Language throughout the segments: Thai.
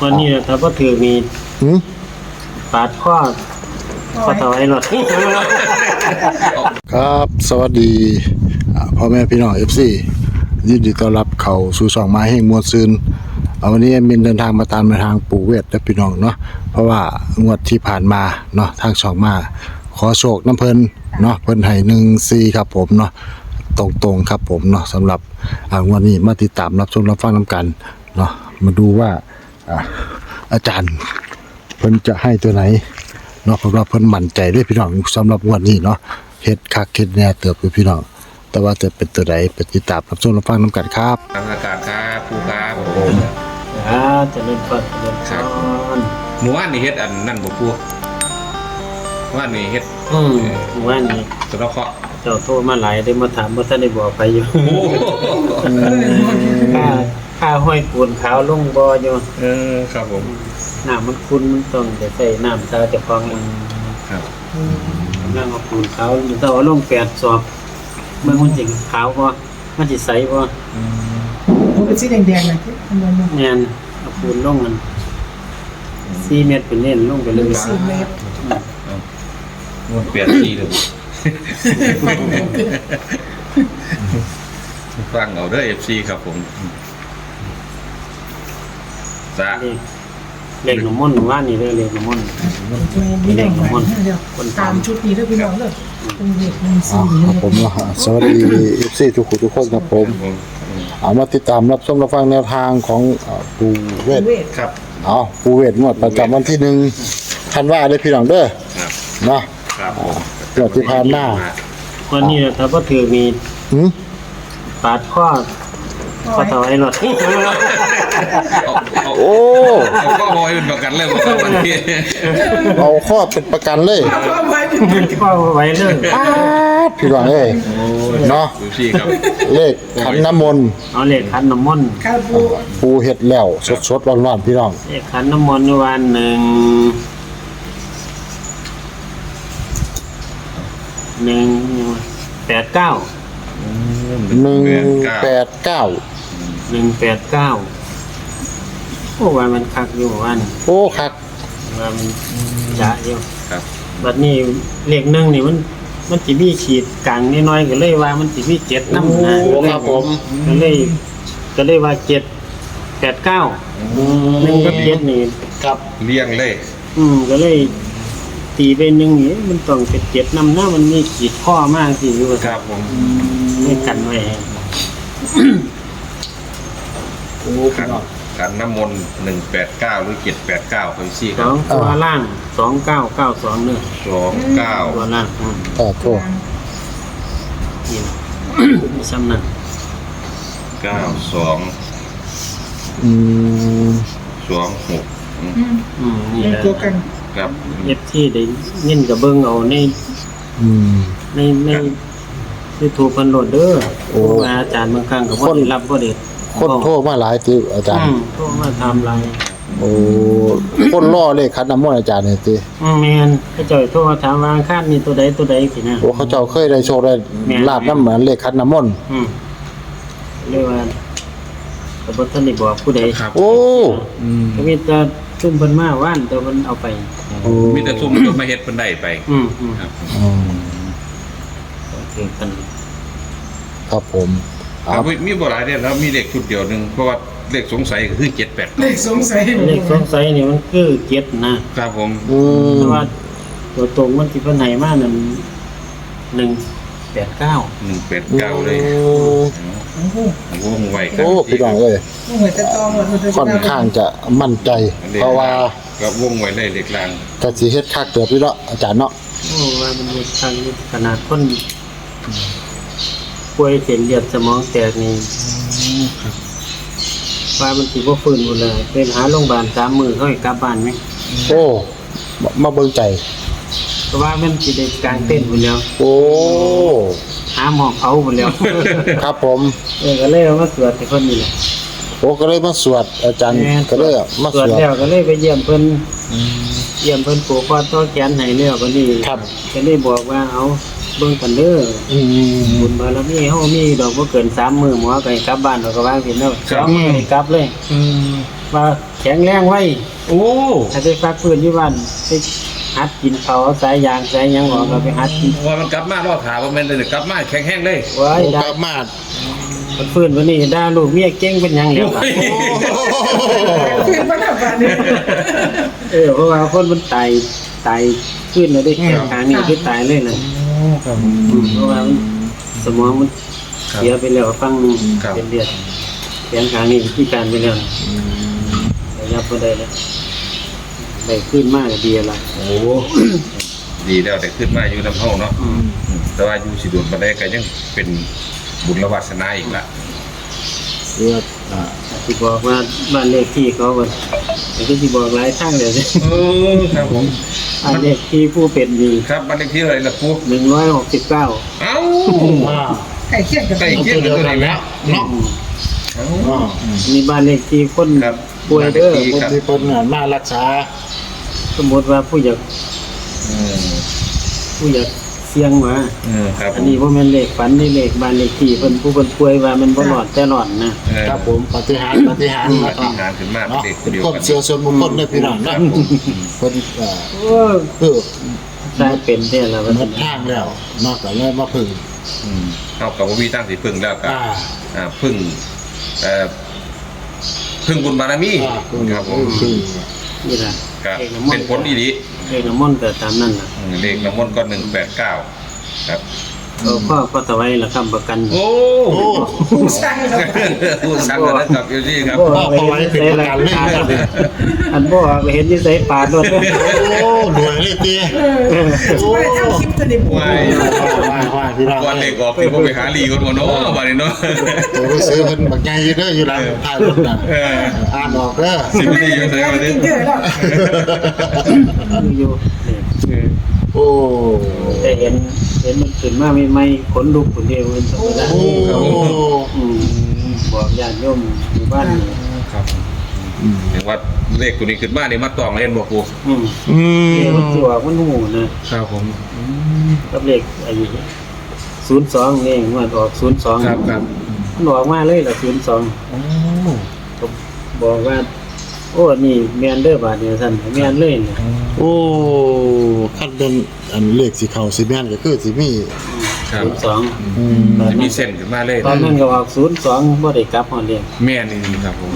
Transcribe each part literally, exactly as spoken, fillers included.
วันนี้ถ้าบ่ถือมีปาดข้อข้อต่อไอ้รถครับสวัสดีพ่อแม่พี่น้อง เอฟ ซี ยินดีต้อนรับเข้าสู่ช่องมาแห่งมวลซืนวันนี้มินเดินทางมาตามทางปู่เวทและพี่น้องเนาะเพราะว่างวดที่ผ่านมาเนาะทางช่องมาขอโชคน้ำเพิ่นเนาะเพิ่นให้หนึ่งสี่ครับผมเนาะตรงๆครับผมเนาะสำหรับงวดนี้มาติดตามรับชมรับฟังน้ำกันเนาะมาดูว่าอาจารย์เพิ่นจะให้ตัวไหนเนาะเพราะว่าเพิ่นมั่นใจด้วยพี่น้องสำหรับงวดนี้เนาะเฮ็ดคักเฮ็ดแน่เติบอยู่พี่น้องแต่ว่าจะเป็นตัวใดไปติดตามรับชมรับฟังน้ำกันครับทางอากาศครับผู้ครับผมอ่าจะเล่นเปิดเล่นซ้อนหมู่บ้านนี่เฮ็ดอันนั่นบ่ผู้ว่านี่เฮ็ดอืมว่านี่สระเคราะห์เจ้าโทรมาหลายได้มาถามว่าท่านได้บอกไปอยู่โอ้ค่าค่าห้อยปูนขาวลงบ่อยู่เออครับผมน้ำมันคุ้นมันต้องจะใส่น้ำตาเจะฟองเองครับน้ำเอาปูนขาวมันต้องเอาลงแปดศอกเมื่อมันสิขาวบ่มันสิใสบ่มันเป็นสีแดงๆนะที่อันนั้นแม่นเอาปูนลงมันสี่เมตรเป็นเน้นลงไปเลยสี่เมตรมันเปลี่ยนสีเลยฟังเอาเด้อ เอฟ ซี ครับผมจ้านี่เล็กหนุ่มม่นว่านี่เลยเล็กหนุ่มม่นมีแดงหมดเดียวตามชุดนี้ด้วยพี่น้องเลยเป็นเด็กหนึ่งอ๋อสี่ครับผมเนาะสวัสดี เอฟ ซี ทุกคนทุกคนครับผมเอามาติดตามรับชมรับฟังแนวทางของปู่เวทเวทครับเอาปู่เวทงวดประจำวันที่หนึ่งธันวาเลยพี่น้องเด้อครับเนาะครับเกิดที่ผ่านมาวันนี้ถ้าบ่ถือมีหืมปาดข้อข้อต่อไอ้รถเอาโอ้เอาข้อมอยเป็นประกันเลยบ่ครับวันนี้เอาข้อเป็นประกันเลยพ่อไว้เป็นข้อไว้เลยป๊าดพี่น้องเอ้ยเนาะดูสิครับเลขขันน้ำมนต์เอาเลขขันน้ำมนต์ข้าวปูปู่เฮ็ดแล้วสดๆร้อนๆพี่น้องเลขขันน้ำมนต์วันหนึ่งหนึ่งแปดเก้าหนึ่งแปดเก้าหนึ่งแปดเก้าโอ้วันมันคักอยู่วันโอ้คักว่ามันจะอยู่ครับบัดนี้เลขหนึ่งนี่มันมันสิมีขีดกลางน้อยๆก็เลยว่ามันสิมีเจ็ดน้ำนะโอ้ครับผมก็เลยก็เลยว่าเจ็ดแปดเก้าหนึ่งกับเจ็ดนี่ครับเลี้ยงเลยอืมก็เลยตีไปหนึ่งนี่มันต้องเป็นเจ็ดน้ำหน้ามันมีขีดข้อมากสิอยู่ครับผมไม่กันไว้โอ้ขัพี่นน้องขันน้ำมนต์หนึ่งแปดเก้าหรือเจ็ดแปดเก้าไปสิคสรัอบ งตัวล่างสองเก้าเก้าสองเนื้อสองเก้าตัวล่างอืมต่อโทษนี่ มีซ้ำนั่นเก้าสองอืมสองหกอืมอืมนี่เป็นแหละตัวกันครับเอฟที่ได้เงินกับเบิ้งเอาในอืมในในในถูกพันโหลดเด้อโอ้เพราะว่าอาจารย์บางครั้งก็บ่ได้รับบ่ได้คนโทษมาหลายติอาจารย์อืมโทรมาทำไรโอ้คนล่อเลขขันน้ำมนต์อาจารย์เนี่ยติอืมแม่นเขาเจ้าโทรมาถามว่าอังคาดมีตัวใดตัวใดสินะโอ้เขาเจ้าเคยได้โชคได้ลาบน้ำเหมือนเลขขันน้ำมนต์อืมเรียกว่าก็บ่ทันได้บอกผู้ใดครับโอ้ก็มีแต่ซุ่มเพิ่นมาว่านแต่เพิ่นเอาไปโอ้มีแต่ซุ่มก็มาเฮ็ดเพิ่นได้ไปอืมอืมครับอืมโอเคกันครับผมคครัรับบ มีบ่หลายเด้อแล้วมีเลขชุดเดียวหนึงเพราะว่าเลขสงสัยก็คือเจ็ดแปดเลขสงสัยเลขสงสัยนี่มันคือเจ็ดนะครับผมอืมแต่ว่าตัวตรงมันสิเพิ่นให้มานั่นหนึ่งแปดเก้าหนึ่งแปดเก้าเลยโอ้โหวงไว้ครับโอ้พี่น้องเอ้ยเหมือนจะตองหมดมันจะค่อนข้างจะมั่นใจ เพราะว่าก็วงไว้เลยเลขล่างกะสิเฮ็ดคักเติบพี่เนาะอาจารย์เนาะโอ้ว่ามันมีทางขนาดคนป่วยเส้นเลือดสมองแตกนี่ว่ามันสิบ่ฟื้นหมดเลยเป็นหาโรงพยาบาลสามมื้อเขาให้กลับบ้านไหมโอ้มามาเบิ่งใจเพราะว่ามันสิได้กลางเต้นหมดแล้วโอ้หาหมอเผาหมดแล้วครับผมเออก็เลยเอามาสวดให้เพิ่นนี่แหละโอ้ก็เลยมาสวดอาจารย์แม่นก็เลยมาสสววดดแล้วก็เลยไปเยี่ยมเพิ่นเยี่ยมเพิ่นผูกคอต่อแขนให้แล้วบัดนี้ครับก็เลยบอกว่าเอาเบิ่งกันเด้ออืมบุญบารมีเฮามีดอกบ่เกินสามมื้อหมอก็ให้กลับบ้านเราก็ว่าสิเนาะสองมื้อให้กลับเลยอืมว่าแข็งแรงไว้โอ้ถ้าไปฟักฟื้นอยู่บ้านไปหัดกินเขาสายยางสายหยังออกก็ไปหัดกินว่ามันกลับมารอดถาว่ามันเลยกลับมาแข็งแห้งเลยไว้โอ้ได้กลับมามันฟื้นวันนี้ด่าลูกเมียเก่งเป็นหยังแล้วล่ะคือมันทำแบบนี้เออเพราะว่าคนมันตายตายขึ้นแล้วได้แค่ทางนี้คือตายเลยน่ะครับอืมเพราะว่ามันสมองมันเสียไปแล้วฟังหนึงครับเป็นเลือดแขนทางนี้พิการไปแล้วแต่ยับบ่ได้แล้วได้ขึ้นมากก็ดีละโอ้ดีแล้วแต่ขึ้นมาอยู่ลำเฮาเนาะอืมอืมแต่ว่าอยู่สิโดนมาได้ก็ยังเป็นบุญและวาสนาอีกละเลือดอ่าที่บอกว่าบ้านเลขที่เขาก็แต่ก็ที่บอกหลายทางเลยเออครับผมบ้านเลขที่ผู้เป็นมีครับบ้านเลขที่อะไรล่ะปูหนึ่งร้อยหกสิบเก้าเอ้าอ่าไก่เคี่ยงกับใกล้เคียงกันตัวไหนแล้วเนาะอ่ามีบ้านเลขที่คนครับป่วยเด้อบ้านเลขที่คนที่เพิ่นน่ะมารักษาสมมติว่าผู้อยากอืมผู้อยากเสี่ยงมาเออครับอันนี้ว่ามันเลขฝันนี่เลขบ้านเลขที่เพิ่นผู้เพิ่นป่วยว่ามันบ่หลอดแต่หลอดนะเออครับผมปฏิหารย์ปฏิหารย์ปนะคฏิรับหารย์ขึ้นมาเป็นเนาะเด็กเป็นเดียวความกันเชื่อส่วนบุคคลในพี่น้องนะเพิ่นเอ่อโอ้เออได้เป็นแท้แล้วว่าหมดทางแล้วนอกจากเลยมาพึ่งอืมเท่ากับว่ามีตั้งสิพึ่งแล้วก็อ่าอ่าพึ่งเอ่อพึ่งบุญบารมีอ่าพึ่งครับผมพึ่งนี่ล่ะก็เลขน้ำมเป็น นต์ผลดีดีเลขน้ำมนต์ก็ตามนั้นล่ะอืมเลขน้ำมนต์ก็หนึ่งแปดเก้าครับเอาพ่อพ่อสวัยละคำประกันโอ้โอ้ผู้สร้างเราพูดสั่งแล้วนะครับอยู่ที่ครับบ่ไปเห็นนิสัยละอันบ่ไปเห็นนิสัยปาดรถเด้อโอ้หน่วยเลยตีเออไม่ทำคลิปตัวนี้ว้ายว่าว่าพี่น้องก่อนเลขออกที่ผมไปหาลีก่อนว่าเนาะวันนี้เนาะตัวไปซื้อเพิ่นบักใหญ่อยู่เด้ออยู่หลังท้ายรถน่ะเอออ่านออกเด้อสิบปีอยู่ใส่วันนี้เจอแล้วอยู่นี่โอ้แต่เห็นเห็นมันขึ้นมาใหม่ๆขนลุกคนเดียวมันธรรมดาโอ้อืมบอกญาติโยมหมู่บ้านนี่ครับเห็นว่าเลขตัวนี้ขึ้นมาเนี่ยมาตองเล่นบ่ปูอืมอืมเลขมันสิว่ามันหูนะครับผมกับเลขไอ้ศูนย์สองนี่มันออกศูนย์สองครับครับมันออกมาเลยล่ะศูนย์สองโอ้ก็บอกว่า โอ้นี่แม่นเด้อบาดเนี่ยท่านแม่นเลยเนี่ยโอ้คันเป็นอันเลขสีเขาสีแม่นก็คือสีมีครับศูนย์สองอืมจะมีเส้นขึ้นมาเลยตอนนั้นก็ออกศูนย์สองบ่ได้กลับฮอดเรียงแม่นี่ครับผม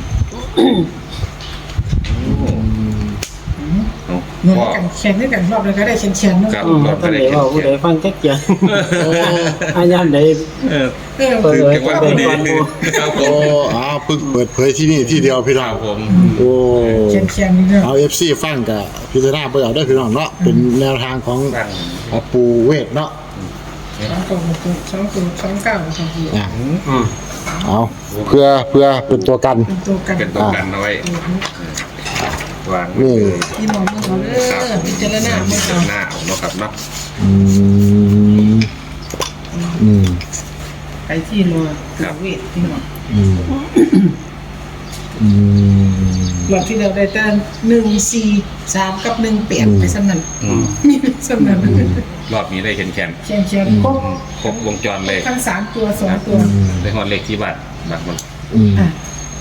เอาหน่วยพ่อกันแข่งด้วยกันรอบเลยก็ได้เชียนเชียนเนาะครับอืมท่านได้เว้าผู้ใดฟังจักอย่างอาญามใดเออเออเปิดคือเผยเก็บไว้เปิพดอเผดียก่อนหมู่ครับผโอ้มอ้าวเพิ่งเปิดเผยที่นี่ที่เดียวพี่คน้อรังบผมโอ้เชียนเชียนนี่เนาะเอา เอฟ ซี ฟังกับพิจารณาไปเอาได้พี่น้องเนาะเป็นแนวทางของตั้งของปูเวทเนาะสองตัวสองตัวสองเก้าสองตัวอ่ะอืมเอาเพื่อเพื่อเป็นตัวกันเป็นตัวกันเป็นตัวกันเอาไว้วางนี่ที่มองมือเขาเด้อพิจารณามือเขาหน้าเอาเนาะครับเนาะอืมอืมไปที่รอตัวเวทที่มองอืมอืมรอบที่เราได้แต่หนึ่งสี่สามกับหนึ่งแปดไปสำนันอืมมีสำนันรอบนี้ได้เห็นแขนเชียนเชียนครบครบวงจรเลยทั้งสามตัวสองตัวได้ฮอดเลขที่บัตรบัตรมันอืมอ่ะ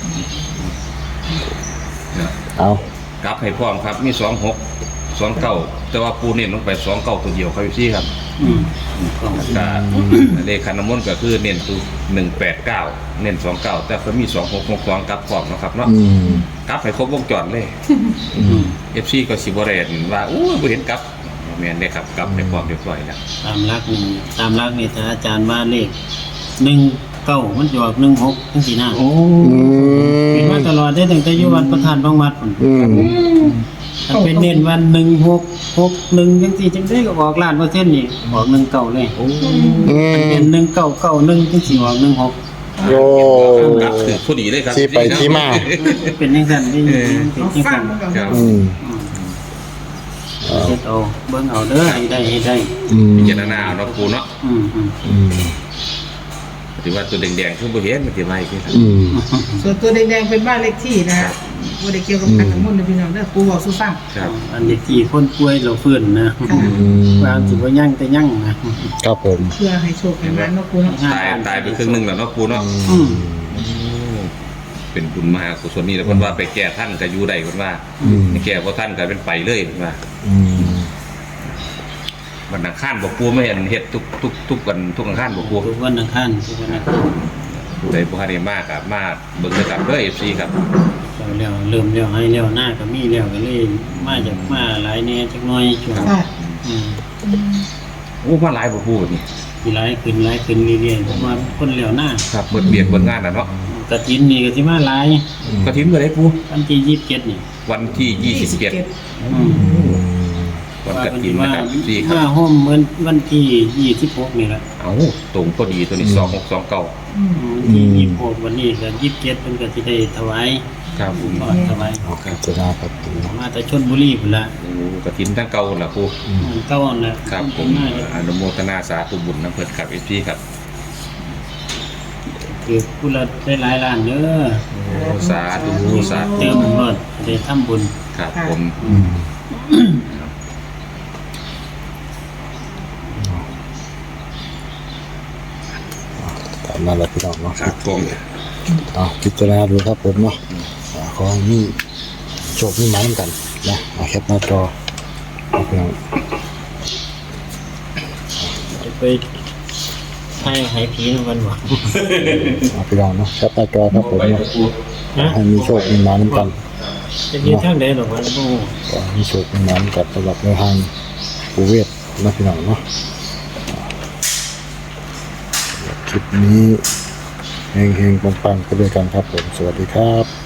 เนาะเอากลับให้พร้อมครับมีสองหกสองเก้าแต่ว่าปูเน้นลงไปสองเก้าตัวเดียวครับพี่ครับอืมก็เลขขันน้ำมนต์ก็คือเน้นตัวหนึ่งแปดเก้าเน้นสองเก้าแต่ก็มีสองหกหกสองกลับพร้อมนะครับเนาะอืมกลับให้ครบวงจรเลยอืมเอฟซีก็สิบเรนว่าอู้บ่เห็นกลับแม่นได้ครับกลับให้พร้อมเรียบร้อยแล้วตามรักนี่ตามรักนี่ถ้าอาจารย์ว่าเลขหนึ่งเก้ามันจะออกหนึ่งหกทั้งสี่หน้าอืเป็นมมาตลอดได้ตั้งแต่อยุวันประธานบางวัดพุ่นอืมถ้าเป็นเน้นวันหนึ่งหกหกหนึ่งจังสี่จังได้ก็ออกล้านเปอร์เซ็นต์นี่ออกหนึ่งเก้าเลยอืมันเป็นมหนึ่งเก้าเก้าหนึ่งจังสี่ออกหนึ่งหกโอ้กลับคือผู้ดีเลยครับที่ไปที่มาเป็นยังไงนี่เป็นเอายังฟัไงงมันก่อนครับอืมเช็ดเอาเบิ่งเอาเด้อให้ได้ให้ได้อืมพิจารณาเอาเนาะปูเนาะอืมอืมอืมถือว่าตัวแดงๆคือบ่เห็นมันสิมาอีกทีครับอืมส่วนตัวแดงๆเป็นบ้านเลขที่นะฮะว่าได้เกี่ยวกับการทั้งหมดเลยพี่น้องเด้อกูบอกสู้ฟังครับอันนี้ที่คนป่วยเราฟื้นนะค่ะอืมความสิว่ายั่งแต่ยั่งนะครับผมเพื่อให้โชคให้มันเนาะกูเนาะตายตายไปครึ่งหนึงแล้วเนาะปูเนาะอืมเป็นบุญมหากุศลนี่แล้วเพิ่นว่าไปแก้ท่านก็อยู่ได้เพิ่นว่าอืมแก้บ่ท่านก็เป็นไปเลยเพิ่นว่าอืมวันอังคารบ่ปูไม่เห็นเฮ็ดทุกทุกทุกวันทุกอังคารบ่ปูทุกวันอังคารทุกวันอังคารผู้ใดบ่ทันได้มากก็มาเบิ่งด้วยกันเด้อ เอฟ ซี ครับเราเลี้ยวเริ่มเลี้ยวให้เลี้ยวหน้าก็มีเลี้ยวก็เลยมาจากมาหลายแหน่จักหน่อยช่วงค่ะอืมโอ้มาหลายบ่ปูนี่มีหลายขึ้นหลายขึ้นเรื่อยๆผมว่าคนเลี้ยวหน้าครับเบิดเบียกเบิดงานน่ะเนาะกฐินนี่ก็สิมาหลายกฐินมื้อใดปูวันที่ยี่สิบเจ็ดนี่วันที่ยี่สิบเจ็ดอืมวันกฐินนะครับ สี่คมารับห้อมเหมือนวันที่ยี่สิบหกนี่แหละเอ้าตรงพอดีตัวนี้สองหกสองเก้าอืมวันที่ยี่สิบหกวันนี้ก็ยี่สิบเจ็ดเพิ่นก็สิได้ถวายครับผมทอดถวายเอาพิจารณาครับปูมาแต่ชลบุรีพุ่นละโอ้กฐินทั้งเก่าล่ะปูมันเก้าอันละครับผมอนุโมทนาสาธุบุญนำเพิ่นครับ เอฟ ซี ครับคือผู้ละได้หลายล้านเด้อโอ้สาธุสาธุเติมรถได้ทำบุญครับผมอืมตามนั้นแหละพี่น้องเนาะครับผมเอาพิจารณาดูครับผมเนาะอ่าขอให้มีโชคมีหมายเหมือนกันนะเอาแคปหน้าจอเอาพี่น้องจะไปให้ให้ผีนำกันบ่เอาพี่น้องเนาะแคปหน้าจอครับผมเนาะฮะให้มีโชคมีหมายเหมือนกันจะยืนทางใดหรอกวะบ่ฮู้ขอให้มีโชคมีหมายเหมือนกันสำหรับในทางปูเวศนะพี่น้องเนาะคลิปนี้เฮงๆปังๆไปด้วยกันครับผมสวัสดีครับ